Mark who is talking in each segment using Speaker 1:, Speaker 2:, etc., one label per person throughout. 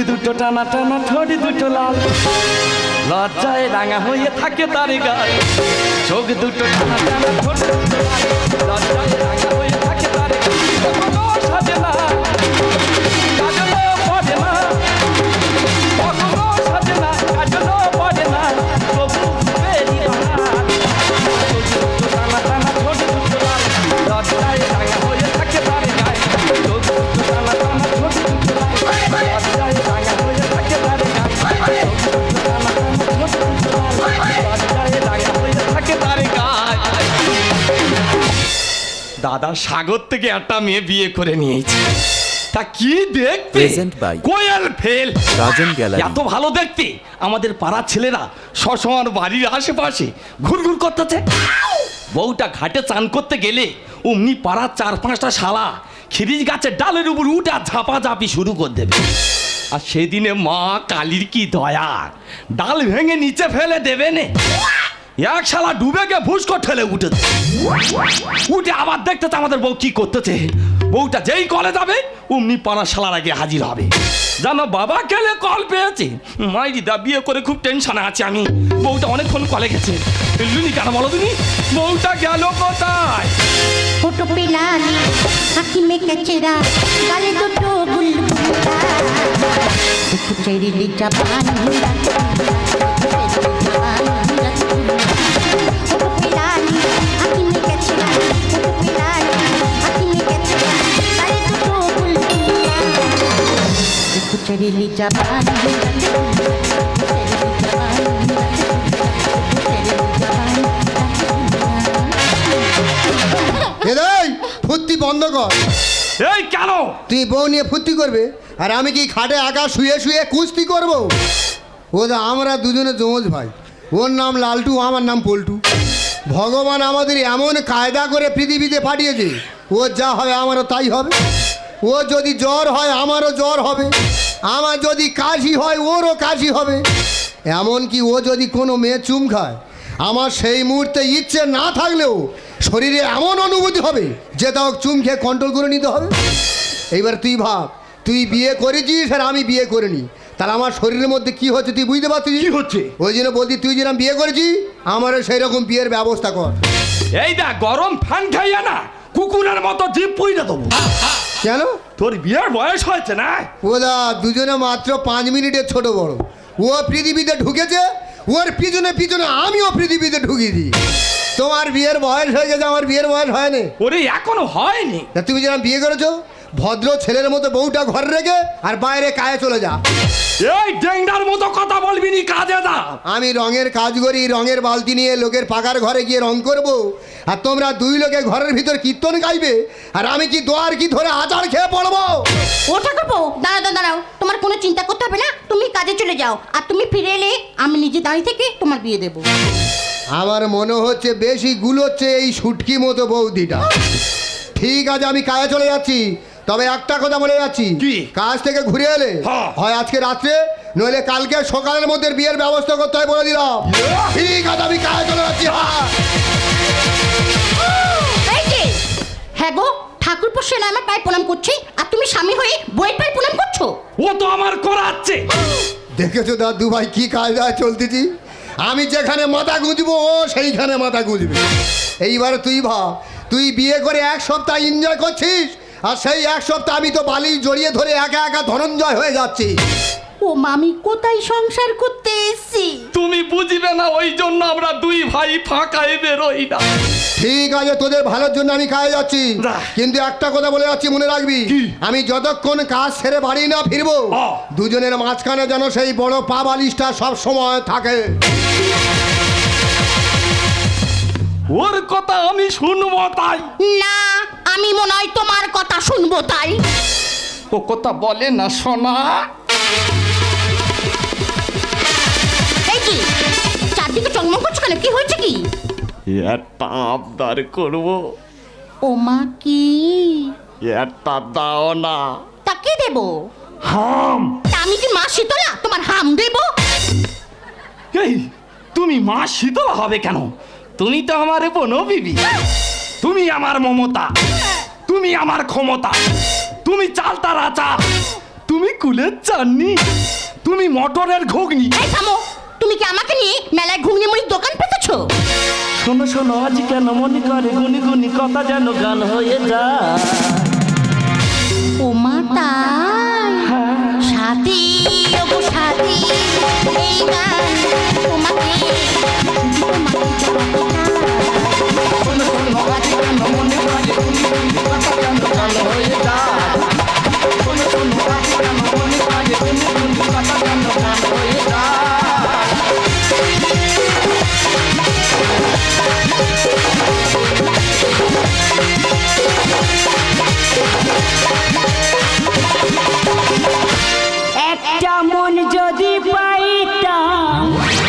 Speaker 1: দুটো টানা টানা, ঠোঁট দুটো লাল, লজ্জায় রাঙা হয়ে থাকে তার গাল। চোখ দুটো টানা টানা, ঠোঁট দুটো লাল, লজ্জায় রাঙা হয়ে থাকে তার গাল। কখনো সাজে না, কাজলও পড়ে না, কখনো সাজে না, কাজলও পড়ে না, তবু বেরি বাহার। চোখ দুটো টানা টানা, ঠোঁট দুটো লাল, লজ্জায় রাঙা হয়ে থাকে তার গাল। চোখ দুটো টানা টানা, ঠোঁট দুটো লাল, লজ্জায় রাঙা হয়ে থাকে তার গাল। দাদা সাগর থেকে একটা মেয়ে বিয়ে করে নিয়েছে, তা কি দেখতে, কোয়েল ফেল
Speaker 2: রাজন গ্যালারি।
Speaker 1: এত ভালো দেখতে। আমাদের পাড়ার ছেলেরা সবসময় বাড়ির আশেপাশে ঘুরঘুর করতেছে। বউটা ঘাটে চান করতে গেলে অমনি পাড়ার 4-5টা শালা খিরিজ গাছের ডালের উপর উঠে ঝাপাঝাপি শুরু করে দেবে। আর সেদিনে মা কালীর কি দয়া, ডাল ভেঙে নিচে ফেলে দেবে নে, এক শালা ডুবে গিয়ে ভুসকো ঠেলে উঠেছে। উঠে আবার দেখতেছে আমাদের বউ কি করতেছে। বউটা যেই কলে যাবে অমনি পাড়া শালার আগে হাজির হবে। জানো বাবা গেলে কল পেয়েছে, মাইরি দা বিয়ে করে খুব টেনশনে আছে আমি। বউটা অনেকক্ষণ কলে গেছে, লুনি কেন বলো তুমি, বউটা গেল কোথায়?
Speaker 3: ফটো পেলানি আঁখি মে কচরা, গালে দুটো বুলবুলা, চেরি লিচা পানি, ফটো পেলানি আঁখি মে কচরা, ফটো পেলানি আঁখি মে কচরা, গালে দুটো বুলবুলা, চেরি লিচা পানি,
Speaker 4: ফুর্তি বন্ধ কর।
Speaker 1: এই কেন
Speaker 4: তুই বউ নিয়ে ফুর্তি করবে আর আমি কি খাটে একা শুয়ে শুয়ে কুস্তি করবো? ও দা আমরা দুজনে যমজ ভাই, ওর নাম লালটু, আমার নাম পল্টু। ভগবান আমাদের এমন কায়দা করে পৃথিবীতে পাঠিয়েছে, ও যা হবে আমারও তাই হবে। ও যদি জ্বর হয় আমারও জ্বর হবে, আমার যদি কাশি হয় ওরও কাশি হবে। এমনকি ও যদি কোনো মেয়ে চুম খায়, আমার সেই মুহূর্তে ইচ্ছে না থাকলেও শরীরে এমন অনুভূতি হবে যে তাও চুম খেয়ে কন্ট্রোল করে নিতে হবে। এইবার তুই ভাব, তুই বিয়ে করেছিস আর আমি বিয়ে করিনি, তাহলে আমার শরীরের মধ্যে কি হচ্ছে তুই বুঝতে পারছিস?
Speaker 1: কি হচ্ছে?
Speaker 4: ওই জন্য বলছি তুই যেরকম বিয়ে করেছিস আমারও সেই রকম বিয়ের ব্যবস্থা কর।
Speaker 1: এই দা গরম ফ্যান খাইয়া না কুকুরের মতো জিভ পুইরা দেবো।
Speaker 4: কেন?
Speaker 1: তোর বিয়ের বয়স হয়েছে না?
Speaker 4: ও দা দুজনে মাত্র 5 মিনিটের ছোট বড়। ও পৃথিবীতে ঢুকেছে, ওর পিছনে পিছনে আমিও পৃথিবীতে ঢুকিয়ে দিই। তোমার বিয়ের বয়স হয়ে গেছে, আমার বিয়ের বয়স হয়নি।
Speaker 1: ওরে এখনো হয়নি।
Speaker 4: তা তুমি যেরকম বিয়ে করেছো ভদ্র ছেলের মতো বউটা ঘরে রেখে আর বাইরে কাজে চলে যা।
Speaker 1: এই ডেঙ্গার মতো কথা বলবি নি, কাজে যা।
Speaker 4: আমি রঙের কাজ করি, রঙের বালতি নিয়ে লোকের পাকার ঘরে গিয়ে রং করব, আর তোমরা দুই লোকে ঘরের ভিতর কীর্তন গাইবে, আর আমি কি দোয়ার কি ধরে আচার খেয়ে পড়বো?
Speaker 3: ও ঠাকুরপো দাঁড়াও দাঁড়াও, তোমার কোনো চিন্তা করতে হবে না, তুমি কাজে চলে যাও, আর তুমি ফিরে এলে আমি নিজে দাঁড়িয়ে থেকে তোমার বিয়ে দেবো।
Speaker 4: আমার মনে হচ্ছে বেশি গুলোচ্ছে এই শুটকি মতো বৌদিটা। ঠিক আছে আমি কাজে চলে যাচ্ছি, তবে একটা কথা বলে যাচ্ছি,
Speaker 1: কি?
Speaker 4: কাজ থেকে ঘুরে এলে হয় আজকে রাত্রে নইলে কালকে সকালের মধ্যে বিয়ের ব্যবস্থা করতে হয় বলে দিলাম। ঠিক আছে আমি কাজে চলে যাচ্ছি।
Speaker 3: হ্যাঁ গো, ঠাকুরপো সেনা আমার পায়ে প্রণাম করছি, আর তুমি স্বামী হয়ে বইয়ের পায়ে প্রণাম করছো?
Speaker 1: ও তো আমার করাচ্ছে।
Speaker 4: দেখেছো দাদু ভাই কি কায়দায় চলতেছি, আমি যেখানে মাথা গুঁজবো ও সেইখানে মাথা গুঁজবে। এইবার তুই ভাব, তুই বিয়ে করে 1 সপ্তাহ এনজয় করছিস, আর সেই 1 সপ্তাহ আমি তো বালি জড়িয়ে ধরে একা একা ধনঞ্জয় হয়ে যাচ্ছি।
Speaker 3: ও মামি কোথায় সংসার করতে এসছি?
Speaker 1: তুমি বুঝবে না, ওই জন্য আমরা দুই ভাই ফাঁকায় বেরোই না।
Speaker 4: ঠিক আছে তোদের ভালোর জন্য আমি কাজে যাচ্ছি,
Speaker 1: যা।
Speaker 4: কিন্তু একটা কথা বলে যাচ্ছি মনে রাখবি, আমি যতক্ষণ কাজ সেরে বাড়ি না ফিরবো দুজনের মাঝখানে যেন সেই বড় পা বালিশটা সব সময় থাকে।
Speaker 1: ওর কথা আমি শুনবো তাই
Speaker 3: না, আমি মনে হয় তোমার কথা শুনবো তাই।
Speaker 1: ও কথা বলে না শোনা।
Speaker 3: এই কি চারদিকে চমক করছো কেন, কি হয়েছে কি?
Speaker 1: একটা আবদার করবো।
Speaker 3: ও মা কি?
Speaker 1: একটা দাও না।
Speaker 3: তা কি দেবো?
Speaker 1: হাম।
Speaker 3: তা আমি কি মা শীতলা তোমার হাম দেবো?
Speaker 1: এই তুমি মা শীতলা হবে কেন? তুমি তো আমার বনবিবি, তুমি আমার মমতা, তুমি আমার ক্ষমতা, তুমি চালতা রাজা, তুমি কুলের চাননি, তুমি মটরের ঘুগনি।
Speaker 2: এই থামো, তুমি কি আমাকে নিয়ে মেলায় ঘুগনি মুড়ির দোকান পেতেছো?
Speaker 5: শোনো শোনো আজ কেন মনে করে গুনি গুনি কথা যেন গান হয়ে যায়।
Speaker 2: ও মা তাই, সাথী ওগো সাথী, এই গান তোমাকে
Speaker 1: শোনো শোনো আজ কেন মনে করে গুনি গুনি কথা যেন গান হয়ে যায়। শোনো শোনো আজ কেন মনে করে গুনি গুনি কথা যেন গান হয়ে যায়।
Speaker 6: একটা মন যদি পাইতাম,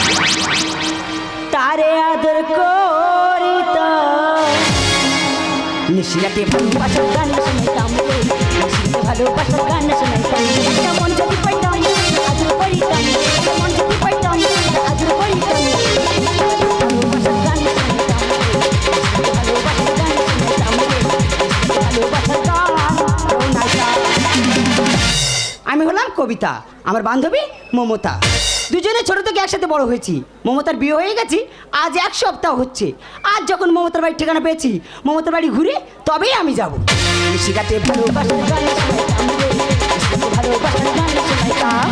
Speaker 6: তারে আদর করিতাম, নিশিরাতে ভালোবাসার গান শুনাইতাম, নিশিরাতে ভালোবাসার গান শুনাইতাম। একটা মন যদি পাইতাম আদর করিতাম, একটা মন যদি পাইতাম আদর করিতাম, ভালোবাসার গান শুনাইতাম, ভালোবাসার গান শুনাইতাম, ভালোবাসার গান শোনাইতাম। আমি হলাম কবিতা, আমার বান্ধবী মমতা। দুজনে ছোট থেকে একসাথে বড় হয়েছি। মমতার বিয়ে হয়ে গেছি আজ 1 সপ্তাহ হচ্ছে। আজ যখন মমতার বাড়ির ঠিকানা পেয়েছি, মমতার বাড়ি ঘুরে তবেই আমি যাবো। নিশিরাতে ভালোবাসার গান শোনাইতাম রে, নিশিরাতে ভালোবাসার গান শোনাইতাম।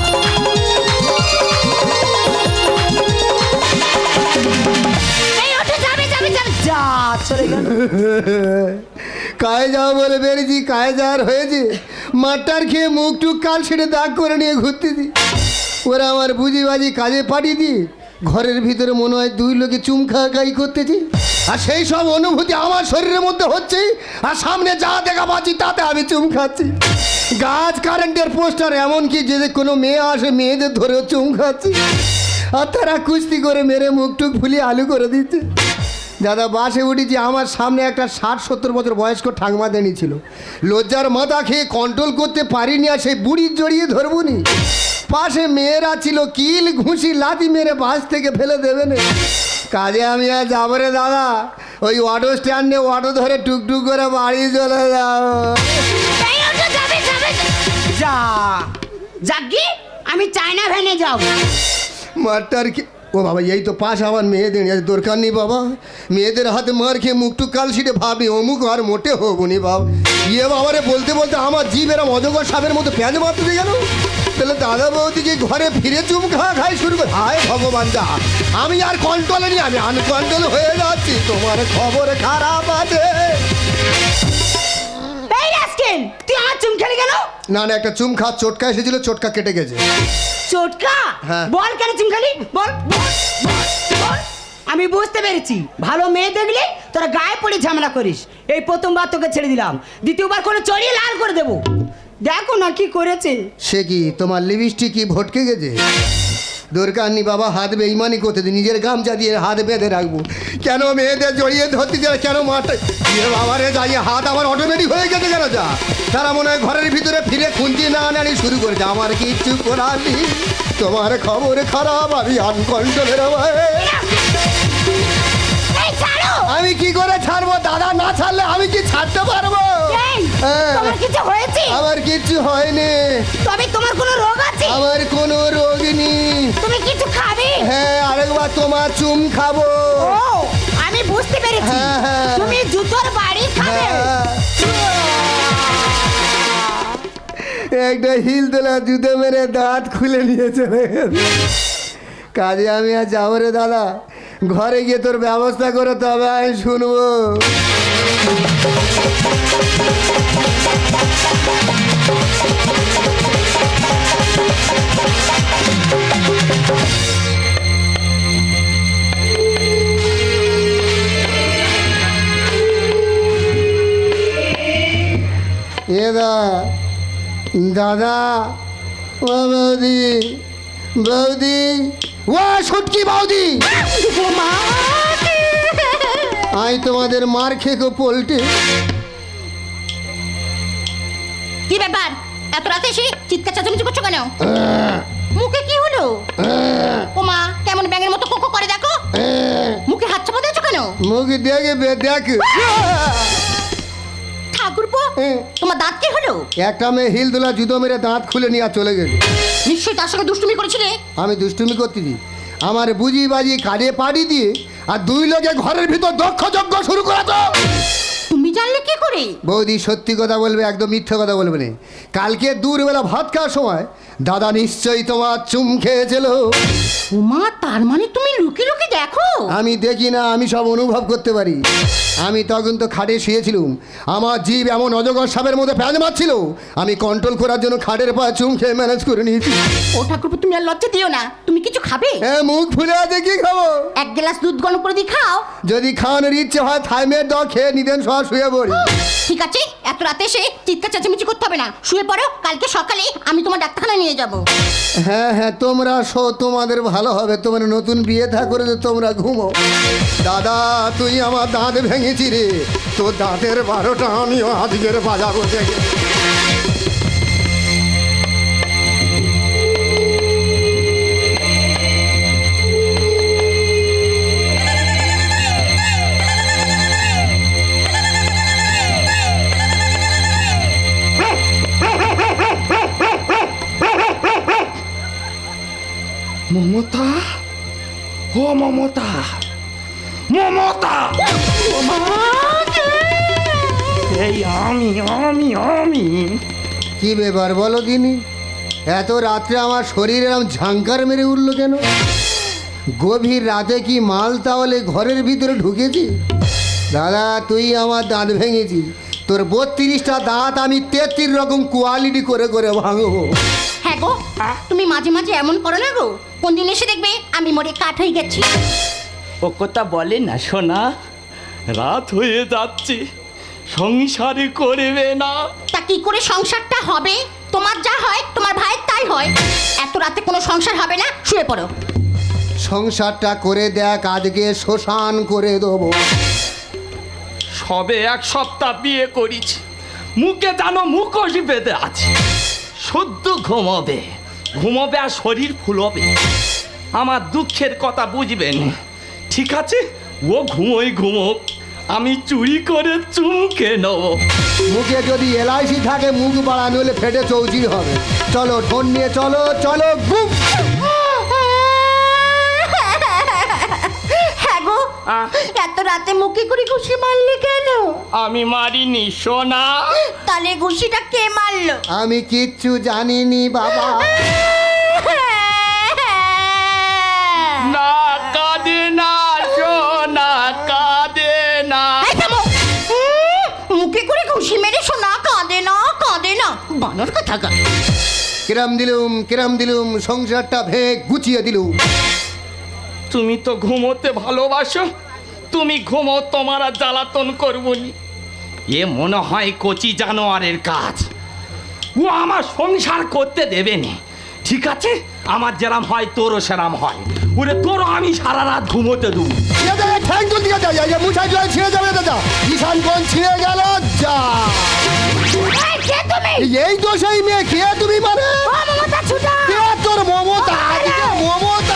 Speaker 2: এই ওঠো, যাবে যাবে যাবে।
Speaker 6: যা চলে গেল।
Speaker 4: কায়ে যাও বলে বেরিয়েছি, কায়ে যাওয়ার হয়েছে। মাঠটার খেয়ে মুখ টুক কাল ছেড়ে দাগ করে নিয়ে ঘুরতেছি। ওরা আমার বুঝিবাজি কাজে পাঠিয়ে দিই, ঘরের ভিতরে মনে হয় 2 লোকে চুম খাই করতেছি। আর সেই সব অনুভূতি আমার শরীরের মধ্যে হচ্ছে, আর সামনে যা দেখা পাচ্ছি তাতে আমি চুম খাচ্ছি। গাছ কারেন্টের পোস্টার, এমনকি যে কোনো মেয়ে আসে মেয়েদের ধরেও চুম খাচ্ছি। আর তারা কুস্তি করে মেরে মুখ টুক ফুলিয়ে আলু করে দিচ্ছে। দাদা বাসে উঠেছি, আমার সামনে একটা 60-70 বছর বয়স্ক ঠাকমা দেনি ছিল। লজ্জার মাথা খেয়ে কন্ট্রোল করতে পারিনি, আর সেই বুড়ির জড়িয়ে ধরবনি। পাশে মেয়েরা ছিল, কিল ঘুষি লাথি মেরে বাস থেকে ফেলে দেবে না। কাজে আমি আর যাবো রে দাদা, ওই অটো স্ট্যান্ডে অটো ধরে টুকটুক করে বাড়ি চলে যাও।
Speaker 2: এই ওঠো, যাবে যাবে।
Speaker 6: যা যাগ্গি, আমি চায়না ভ্যানে যাবো।
Speaker 4: মারটার কি ও বাবা, এই তো পাশ আমার মেয়েদের দরকার নেই বাবা। মেয়েদের হাতে মার খেয়ে মুখটুক কাল ছিটে ভাবি অমুক আর মোটে হবো নি বাবা। ইয়ে বাবারে বলতে বলতে আমার জীব এরম অজগর সাপের মতো প্যাঁচ মারতে গেল। তাহলে দাদা বৌদিকে ঘরে ফিরে চুম খাই শুরু করে। হায় ভগবান, যা আমি আর কন্ট্রোলে নি, আমি আনকন্ট্রোল হয়ে যাচ্ছি। তোমার খবর খারাপ আছে।
Speaker 6: এই রাস্কেল, তুই আমার চুম খেলে গেল?
Speaker 4: না না, একটা চুম খা চটকা এসেছিল, চটকা কেটে গেছে।
Speaker 6: চটকা?
Speaker 4: হ্যাঁ।
Speaker 6: বল কেন চুম খালি, বল বল বল, বল। আমি বুঝতে পেরেছি, ভালো মেয়ে দেখলে তোরা গায়ে পড়ে ঝামেলা করিস। এই প্রথমবার তোকে ছেড়ে দিলাম, দ্বিতীয়বার করে চড়িয়ে লাল করে দেবো। দেখো না কি করেছে।
Speaker 4: সে কি তোমার লিপস্টিক কি ভটকে গেছে? দরকার নেই বাবা, হাত বেইমানি করতে দিই, নিজের গামছা দিয়ে হাত বেঁধে রাখবো। কেন মেয়েদের জড়িয়ে ধরতে যায়, কেন মাঠে বাবারে যাইয়ে হাত আমার অটোমেটিক হয়ে গেছে কেন? যা তারা মনে হয় ঘরের ভিতরে ফিরে খুঁজি না আনানি শুরু করেছে। আমার কিচ্ছু করার নেই, তোমার খবর খারাপ, আমি আনকন্ট্রোলের
Speaker 2: এই ছাড়ো।
Speaker 4: আমি কি করে ছাড়বো দাদা? না ছাড়লে আমি কি ছাড়তে পারবো?
Speaker 2: এই,
Speaker 4: হ্যাঁ।
Speaker 2: তোমার কিছু হয়েছে?
Speaker 4: আমার কিচ্ছু হয়নি,
Speaker 2: তবে তোমার কোনো রোগ আছে?
Speaker 4: আমার কোনো রোগ নেই।
Speaker 2: তুমি কিছু খাবে?
Speaker 4: হ্যাঁ, আরেকবার তোমার চুম খাবো।
Speaker 2: ও, আমি বুঝতে পেরেছি,
Speaker 4: হ্যাঁ, হ্যাঁ।
Speaker 2: তুমি জুতোর বাড়ি খাবে।
Speaker 4: হ্যাঁ। একটা হিল তোলা জুতো মেরে দাঁত খুলে নিয়ে চলে গেছে। কাজে আমি আর যাবো রে দাদা, ঘরে গিয়ে তোর ব্যবস্থা করে তবে আমি শুনবো। এ দাদা, ও বৌদি, বৌদি, ও ছুটকি বৌদি, আই তোমাদের মার খেকো পোল্টে।
Speaker 2: কি ব্যাপার, এত রাতে এসে চিৎকার চাচামেচি করছো কেন? মুখে কি হলো? ওমা, কেমন ব্যাঙের মতো কোকো করে দেখো। মুখে হাত চাপা দিয়েছো কেন?
Speaker 4: মুখ দেখে দেখ।
Speaker 2: থাক ঠাকুরপো
Speaker 4: হ্যাঁ।
Speaker 2: তোমার দাঁত কি হলো?
Speaker 4: একটা মেয়ে হিল দোলা জুতো মেরে দাঁত খুলে নিয়ে আর চলে গেল।
Speaker 2: নিশ্চয়ই তার সঙ্গে দুষ্টুমি করেছিলে।
Speaker 4: আমি দুষ্টুমি করতেছি, আমার বুঝি বাজি কাজে পাড়ি দিয়ে আর দুই লোকে ঘরের ভিতর দক্ষ যজ্ঞ শুরু করা তো।
Speaker 2: তুমি জানলে কি করে?
Speaker 4: বৌদি সত্যি কথা বলবে, একদম মিথ্যে কথা বলবে না। কালকে দূরবেলা ভাত খাওয়ার সময় দাদা নিশ্চয়ই তোমার চুম খেয়েছিল।
Speaker 2: উমা, তার মানে তুমি লুকিয়ে লুকিয়ে দেখো?
Speaker 4: আমি দেখি না, আমি সব অনুভব করতে পারি। আমি তখন তো খাটে শুয়েছিলুম, আমার জীব এমন অজগর সাপের মধ্যে প্যাঁচ মারছিল, আমি কন্ট্রোল করার জন্য খাটের পা চুম খেয়ে ম্যানেজ করে নিয়েছি।
Speaker 2: ও ঠাকুরপো, তুমি আর লজ্জা দিও না। তুমি কিছু খাবে?
Speaker 4: হ্যাঁ, মুখ ফুলে আছে, কি খাবো?
Speaker 2: এক গ্লাস দুধ গরম করে দিয়ে খাও।
Speaker 4: যদি খাওয়ানোর ইচ্ছে হয় থাইমের দ খেয়ে নিতেন, সব শুয়ে পড়ি।
Speaker 2: ঠিক আছে, এত রাতে এসে চিৎকার চেঁচামেচি করতে হবে না, শুয়ে পড়ো। কালকে সকালে আমি তোমার ডাক্তারখানায় নিয়ে যাব।
Speaker 4: হ্যাঁ হ্যাঁ, তোমরা শো, তোমাদের ভালো হবে। তোমরা নতুন বিয়ে থা করে যে তোমরা ঘুমো। দাদা, তুই আমার দাঁত ভেঙেছি রে, তোর দাঁতের 12টা আমিও আজকের বাজাবো দেখে।
Speaker 1: মমতা, ও মমতা, মমতা, এই আমি আমি আমি
Speaker 4: কি ব্যাপার বলো দিনি, এত রাত্রে আমার শরীর এরম ঝাঙ্কার মেরে উঠলো কেন? গভীর রাতে কি মাল তাহলে ঘরের ভিতরে ঢুকেছি? দাদা, তুই আমার দাঁত ভেঙেছি, তোর 32টা দাঁত আমি 33 রকম কোয়ালিটি করে করে ভাঙবো।
Speaker 2: হ্যাঁ গো, তুমি মাঝে মাঝে এমন করো না গো। কোন দিন এসে দেখবে আমি মরে কাঠ হয়ে গেছি।
Speaker 1: ও কথা বলে না শোনা, রাত হয়ে যাচ্ছে, সংসারে করবে না।
Speaker 2: তা কি করে সংসারটা হবে? তোমার যা হয় তোমার ভাইয়ের তাই হয়। এত রাতে কোনো সংসার হবে না, শুয়ে পড়ো।
Speaker 4: সংসারটা করে দেখ, আজকে শ্মশান করে দেবো।
Speaker 1: সবে 1 সপ্তাহ বিয়ে করেছি, মুখে জানো মুখোশ বেঁধে আছে। শুদ্ধ ঘুমোবে, ঘুমোবে আর শরীর ফুলবে। আমার দুঃখের কথা বুঝবেন, ঠিক আছে? ও ঘুমোই ঘুমোক, আমি চুরি করে চুমকে নেব।
Speaker 4: মুখে যদি এলআইসি থাকে, মুখ বাড়ানো হলে ফেটে চৌচির হবে। চলো ঢোন নিয়ে চলো, চলো গুপ।
Speaker 2: হ্যাঁ গো, এত রাতে মুখে করে ঘুষি মারলে কেন?
Speaker 1: আমি মারিনি সোনা।
Speaker 2: তাহলে ঘুষিটা কে মারলো?
Speaker 4: আমি কিচ্ছু জানিনি বাবা।
Speaker 1: না কাঁদে না সোনা, কাঁদে না।
Speaker 2: এই থামো। মুখে করে ঘুষি মেরে সোনা কাঁদে না, কাঁদে না। বানর কথা গা।
Speaker 4: কিরাম দিলুম, সংসারটা ভেঙে গুছিয়ে দিলুম।
Speaker 1: তুমি তো ঘুমোতে ভালোবাসো, তুমি ঘুমো, তোমার আর জ্বালাতন করবনি। এ মনে হয় কচি জানোয়ারের কাজ, ও আমার সংসার করতে দেবে না। ঠিক আছে, আমার যেরাম হয় তোরও সেরাম হয়। ওরে তোরও আমি সারা রাত ঘুমোতে দেবো।
Speaker 4: ঠ্যাং তুলতে গেছে, মুছাই জল ছিঁড়ে যাবে দাদা। ঈশান কোন ছিঁড়ে গেল যা।
Speaker 2: এই কে তুমি?
Speaker 4: এই তো সেই মেয়ে। কে তুমি মানে?
Speaker 2: ও মমতা ছুটা।
Speaker 4: কে তোর মমতা? আজকে মমতা।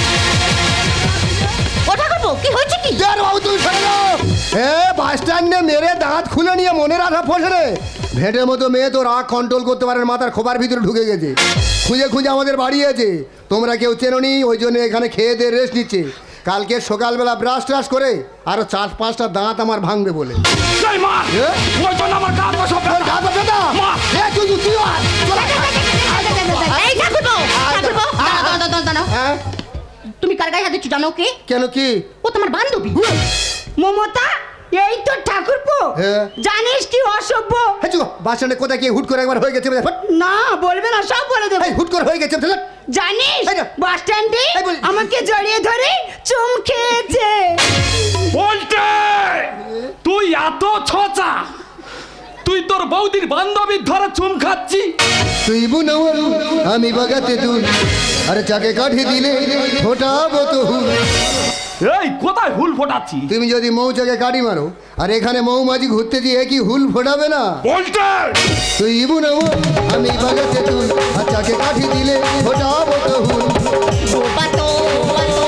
Speaker 2: ওটা করবো, কি হয়েছে কি?
Speaker 4: দেড় বাবু তুমি সরে যাও। বাস স্ট্যান্ডে মেরে দাঁত খুলে নিয়ে মনে রাখা ফসে রে। ভেটের মতো মেয়ে তো রাগ কন্ট্রোল করতে পারে না, মাথার খোপার ভিতরে ঢুকে গেছে। খুঁজে খুঁজে আমাদের বাড়িয়েছে, তোমরা কেউ চেনোনি, ওই জন্য এখানে খেয়ে দিয়ে রেস্ট নিচ্ছে। কালকে সকালবেলা ব্রাশ ট্রাশ করে আরো 4-5টা দাঁত আমার ভাঙবে বলে।
Speaker 1: এই মা,
Speaker 4: এ?
Speaker 1: ওই জন্য আমার গা তো সব
Speaker 4: তোর গা তো ব্যথা?
Speaker 1: মা।
Speaker 4: এ, তুই আয়, চল আয়।
Speaker 2: এই ঠাকুরপো, ঠাকুরপো, দাঁড়াও, দাঁড়াও।
Speaker 4: হ্যাঁ?
Speaker 2: তুমি কার গায়ে হাত দিচ্ছ জানো কে?
Speaker 4: কেন কি?
Speaker 2: ও তোমার বান্ধবী।
Speaker 6: মমতা, এই তো ঠাকুরপো।
Speaker 4: হ্যাঁ।
Speaker 6: জানিস কি অসভ্য?
Speaker 4: হ্যাঁ, চুপ। বাস স্ট্যান্ডে কোথায় কি হুট করে একবার হয়ে গেছে?
Speaker 6: না বলবে না, সব বলে দেবো।
Speaker 4: এই, হুট করে হয়ে গেছে।
Speaker 6: জানিস
Speaker 4: এই না।
Speaker 6: বাস স্ট্যান্ডে
Speaker 4: এই বল।
Speaker 6: আমাকে জড়িয়ে ধরে চুম খেয়েছে।
Speaker 1: বলতে তুই এত ছোচা, তুই তোর বৌদির বান্ধবীর ধরে চুম খাচ্ছি।
Speaker 4: তুই বুনবল, আমি বাগাতে তুল, আরে চাকে কাঠি দিলে ফোটাবো তো হুল।
Speaker 1: এই কোথায় হুল ফোটাচ্ছি?
Speaker 4: তুমি যদি মৌচাকে কাঠি মারো আর এখানে মৌমাছি ঘুরতে গিয়ে কি হুল ফোটাবে না?
Speaker 1: বলতে
Speaker 4: তুই বুনবল, আমি বাগাতে তুল, আর চাকে কাঠি দিলে ফোটাবো তো হুল।
Speaker 2: বাতো, বাতো।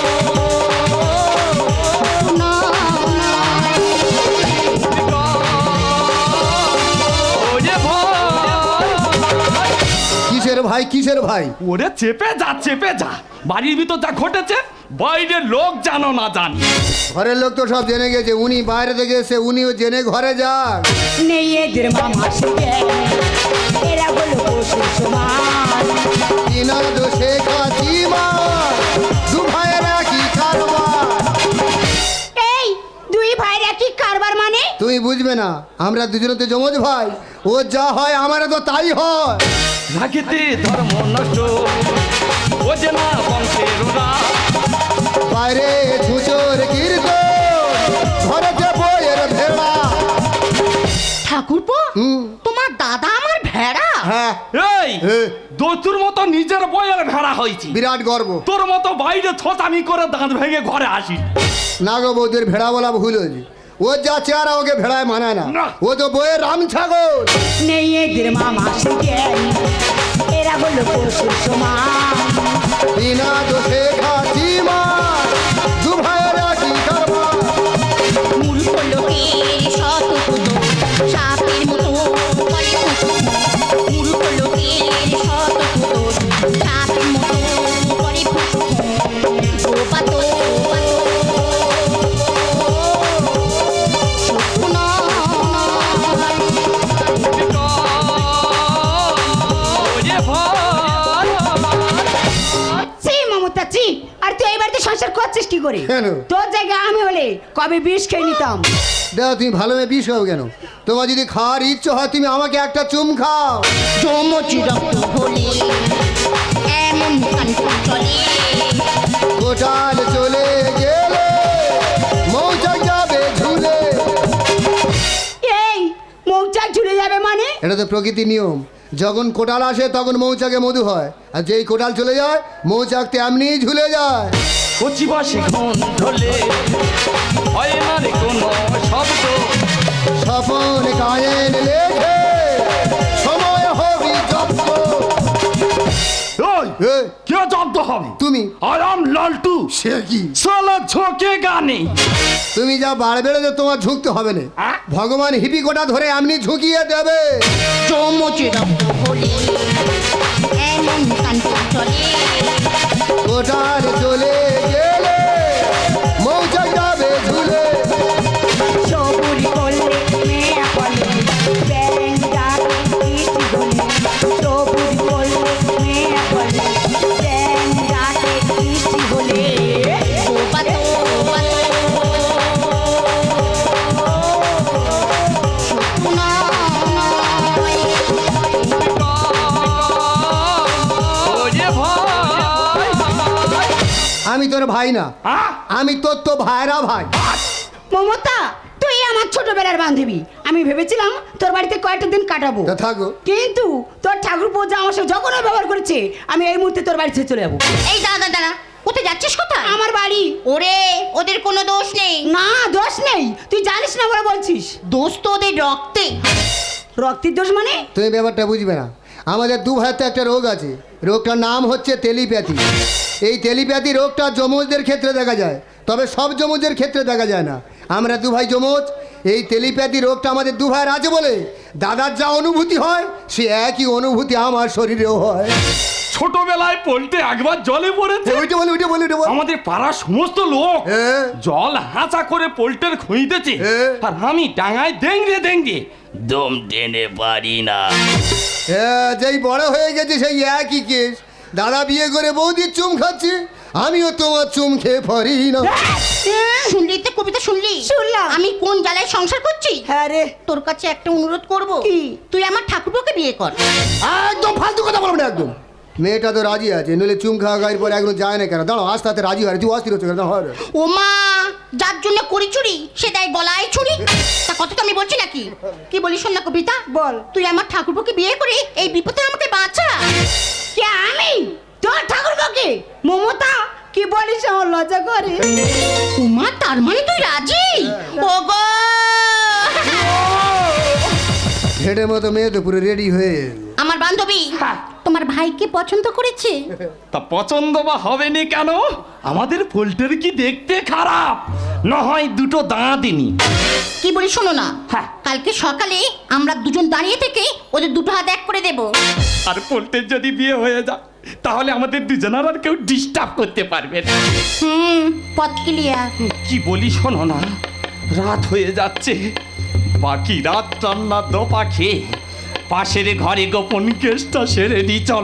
Speaker 2: না, না।
Speaker 4: ভাই কিসের ভাই?
Speaker 1: ওরে চেপে যা বাড়ির ভিতর যা ঘটেছে বাইরের লোক জানো না জানি।
Speaker 4: ঘরের লোক তো সব জেনে গেছে, উনি বাইরে থেকে এসে উনিও জেনে ঘরে যান।
Speaker 6: নেই এদের মামা জ্ঞান, এরা হলো পশুর সমান।
Speaker 4: বিনা দোষে খাতি মার, দু ভাইয়েরা কি কারবার।
Speaker 6: এই দুই ভাইরা কি কারবার মানে?
Speaker 4: তুমি বুঝবে না, আমরা দুজনে তো জমজ ভাই, ও যা হয় আমারও তো তাই হয়।
Speaker 1: রাখিতে ধর্ম নষ্ট ও যে না বংশের ওরা।
Speaker 4: বাইরে ছুচোর কীর্তন, ঘরেতে বইয়ের ভেড়া।
Speaker 2: ঠাকুরপো,
Speaker 4: হুম।
Speaker 2: তোমার দাদা আমার ভেড়া?
Speaker 4: হ্যাঁ,
Speaker 1: এই দোতুর মতো নিজের বইয়ের ভেড়া হয়েছি,
Speaker 4: বিরাট গর্ব।
Speaker 1: তোর মতো বাইরে ছোটামি করে দাঁত ভেঙে ঘরে আসি।
Speaker 4: নাগো বৌদের ভেড়া বলা ভুল হয়েছে, ও যা চেহারা ওকে ভেড়ায় মানায় না,
Speaker 1: না।
Speaker 4: ও তো বইয়ের রাম ছাগল।
Speaker 6: নেই এদের মামা জ্ঞান, এরা হলো পশুর সমান।
Speaker 4: বিনা দোষে খাতি মার, দু ভাইয়েরা কি কারবার।
Speaker 2: মূর্খ লোকের শতকুত সাপের মতো করে ফুসফুস। মূর্খ লোকের শতকুত সাপের মতো করে ফুসফুস। ও পাতো সত্য নয়।
Speaker 1: ওরে ভাই,
Speaker 6: ছি মমতা ছি, আর তুই এই বাড়িতে সংসার করছিস কি করে?
Speaker 4: কেন?
Speaker 6: তোর জায়গায় আমি হলে কবে বিষ খেয়ে নিতাম।
Speaker 4: দেখো তুমি ভালো মেয়ে বিষ খাও কেন? তোমার যদি খাওয়ার ইচ্ছে হয় তুমি আমাকে একটা চুম খাও।
Speaker 2: যমজ রক্ত হলে এমন কাণ্ড চলে।
Speaker 4: কোটাল চলে গেলে মৌচাক যাবে ঝুলে।
Speaker 6: এই মৌচাক ঝুলে যাবে মানে?
Speaker 4: এটা তো প্রকৃতির নিয়ম, যখন কোটাল আসে তখন মৌচাকে মধু হয়, আর যেই কোটাল চলে যায় মৌচাক তেমনি ঝুলে যায়।
Speaker 1: কচি বাসে ঘন ঢলে হয় না রে কোনো শব্দ।
Speaker 4: স্বপন গায়েন লেখে সময় হবি জব্দ।
Speaker 1: ওই
Speaker 4: এ,
Speaker 1: কে জব্দ হবে?
Speaker 4: তুমি।
Speaker 1: আই এম লালটু,
Speaker 4: সে কি?
Speaker 1: সালা ঝোঁকে গানে।
Speaker 4: তুমি যা বাড় বেড়েছো তোমার ঝুঁকতে হবে না,
Speaker 1: আ?
Speaker 4: ভগবান হিপি কোটা ধরে এমনি ঝুঁকিয়ে দেবে।
Speaker 2: যমজ রক্ত হলে এমন কাণ্ড চলে।
Speaker 4: কোটাল চলে গেলে মৌচাক যাবে ঝুলে।
Speaker 6: সবুরি করলে মেয়ে বলে ব্যাং ডাকে বৃষ্টি বলে। সবুরি করলে মেয়ে বলে ব্যাং ডাকে বৃষ্টি বলে।
Speaker 2: ও পাতো সত্য নয়।
Speaker 1: ওরে ভাই,
Speaker 4: আমি তোর ভাই না,
Speaker 1: আ?
Speaker 4: আমি তোর তো ভাইরা ভাই।
Speaker 6: মমতা তুই আমার ছোটবেলার বান্ধবী, আমি ভেবেছিলাম তোর বাড়িতে কয়েকটা দিন কাটাবো,
Speaker 4: তা থাকো।
Speaker 6: কিন্তু তোর ঠাকুর পূজা আমার সাথে যখন ব্যবহার করেছে আমি এই মুহূর্তে তোর বাড়ি ছেড়ে চলে যাবো।
Speaker 2: এই দাদা দাদা, কোথায় যাচ্ছিস কোথায়?
Speaker 6: আমার বাড়ি।
Speaker 2: ওরে, ওদের কোনো দোষ নেই।
Speaker 6: না দোষ নেই, তুই জানিস না বলে বলছিস।
Speaker 2: দোষ তো ওদের রক্তে।
Speaker 6: রক্তের দোষ মানে?
Speaker 4: তুমি ব্যাপারটা বুঝবে না, আমাদের দু ভাইতে একটা রোগ আছে, রোগটার নাম হচ্ছে টেলিপ্যাথি। এই টেলিপ্যাথি রোগটা যমজদের ক্ষেত্রে দেখা যায়, তবে সব যমজদের ক্ষেত্রে দেখা যায় না। আমরা দু ভাই যমজ, এই টেলিপ্যাথি রোগটা আমাদের দু ভাইয়ের আছে বলে দাদার যা অনুভূতি হয় সে একই অনুভূতি আমার শরীরেও হয়।
Speaker 1: ছোটবেলায় পল্টে একবার জলে পড়েছে।
Speaker 4: ওইটা বলে ওইটা বলে ওইটা বল।
Speaker 1: আমাদের পাড়ার সমস্ত লোক
Speaker 4: হ্যাঁ।
Speaker 1: জল হাঁচা করে পোল্টের খুঁইতেছে,
Speaker 4: হ্যাঁ।
Speaker 1: আর আমি ডাঙায় দেঙ্গে দম টেনে পারি না।
Speaker 4: হ্যাঁ, যেই বড় হয়ে গেছে সেই একই কেস। দাদা বিয়ে করে বৌদির চুম খাচ্ছে, আমিও তোমার চুম খেয়ে পারি না।
Speaker 2: শুনলি তো কবিতা, শুনলি?
Speaker 6: শুনলাম।
Speaker 2: আমি কোন জ্বালায় সংসার করছি।
Speaker 6: হ্যাঁ রে।
Speaker 2: তোর কাছে একটা অনুরোধ করব।
Speaker 6: কি?
Speaker 2: তুই আমার ঠাকুরকে বিয়ে কর।
Speaker 4: একদম ফালতু কথা বলবো না একদম। মেয়েটা তো রাজি আছে, নইলে চুম খাওয়া গায়ের পরে একদম যায় না কেন? দাঁড়াও, আস্তে আস্তে রাজি হয়, তুই অস্থির হচ্ছে কেন? হয়
Speaker 2: ও মা, যার জন্য করি চুরি সে দেয় গলায় ছুরি। তা কথা তো আমি বলছি নাকি? কি বলি শোন না কবিতা,
Speaker 6: বল।
Speaker 2: তুই আমার ঠাকুরকে বিয়ে করে এই বিপদে আমাকে বাঁচা।
Speaker 6: কে আমি? তোর ঠাকুর কাকে? মমতা কি বলিস, আমার লজ্জা করে।
Speaker 2: ও মা, তার মানে তুই রাজি? ও গো,
Speaker 4: হেডের মতো মেয়ে তো পুরো রেডি হয়ে
Speaker 2: আমার আমার বান্ধবী তোমার ভাইকে পছন্দ করেছে?
Speaker 1: তা পছন্দ বা হবে না কেন? আমাদের পোল্ট্রি কি দেখতে খারাপ? না হয় দুটো দাঁড়াদিনি।
Speaker 2: কি বলি শোনো না,
Speaker 1: হ্যাঁ।
Speaker 2: কালকে সকালে আমরা দুজন দাঁড়িয়ে থেকে ওদের দুটো হাত এক করে দেব।
Speaker 1: আর পোল্ট্রির যদি বিয়ে হয়ে যায় তাহলে আমাদের দুজনের আর কেউ ডিস্টার্ব করতে পারবে না।
Speaker 2: পথ ক্লিয়ার।
Speaker 1: কি বলি শোনো না, রাত হয়ে যাচ্ছে, বাকি রাত রান্না দোপা খেয়ে পাশের ঘরে গোপন কেসটা সেরে নি চলো।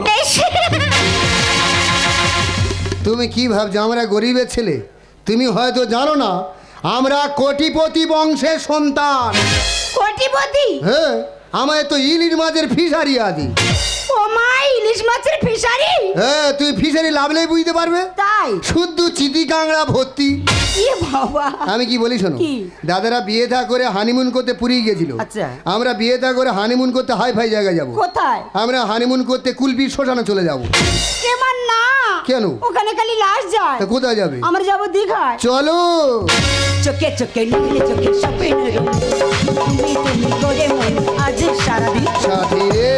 Speaker 4: তুমি কি ভাবছো আমরা গরিবের ছেলে? তুমি হয়তো জানো না আমরা কোটিপতি বংশের সন্তান।
Speaker 6: কোটিপতি?
Speaker 4: হ্যাঁ, আমায় তো ইলিশ মাছের ফিশারি আছে।
Speaker 6: ও মা, ইলিশ মাছের ফিশারি?
Speaker 4: হ্যাঁ, তুই ফিশারি লাভলেই বুঝতে পারবে।
Speaker 6: তাই?
Speaker 4: শুদ্ধ চিতি কাংড়া ভর্তি।
Speaker 6: এ বাবা।
Speaker 4: আমি কি বলি শোনো,
Speaker 6: কি?
Speaker 4: দাদারা বিয়ে থা করে হানিমুন করতে পুরী গেছিল।
Speaker 6: আচ্ছা।
Speaker 4: আমরা বিয়ে থা করে হানিমুন করতে হাই ফাই জায়গায় যাব।
Speaker 6: কোথায়?
Speaker 4: আমরা হানিমুন করতে কুলপির শ্মশানে চলে যাব।
Speaker 6: এবার না।
Speaker 4: কেন?
Speaker 6: ওখানে খালি লাশ যায়।
Speaker 4: তা কোথায় যাবে?
Speaker 6: আমরা যাব দীঘায়।
Speaker 4: চলো।
Speaker 6: চোখে চোখে নীলে চোখে স্বপ্নের রঙ, তুমি তুমি করে মন আজ সারাদিন।
Speaker 4: সাথী রে,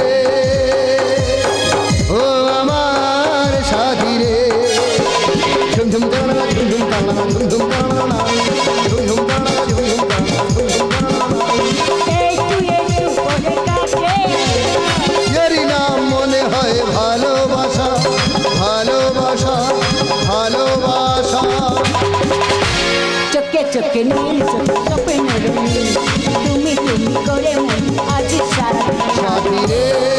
Speaker 4: ও আমার সাথী রে, ঝুমঝুম তাড়া ঝুমঝুম তাড়া ঝুমঝুম তাড়া ঝুমঝুম তাড়া ঝুমঝুম তাড়া ঝুমঝুম তাড়া।
Speaker 6: একটু একটু করে কাছে,
Speaker 4: এরই নাম মনে হয় ভালোবাসা, ভালোবাসা, ভালোবাসা।
Speaker 6: চোখে চোখে নীল চোখে স্বপ্নের রঙ, তুমি তুমি করে মন আজ সারাদিন।
Speaker 4: সাথী রে,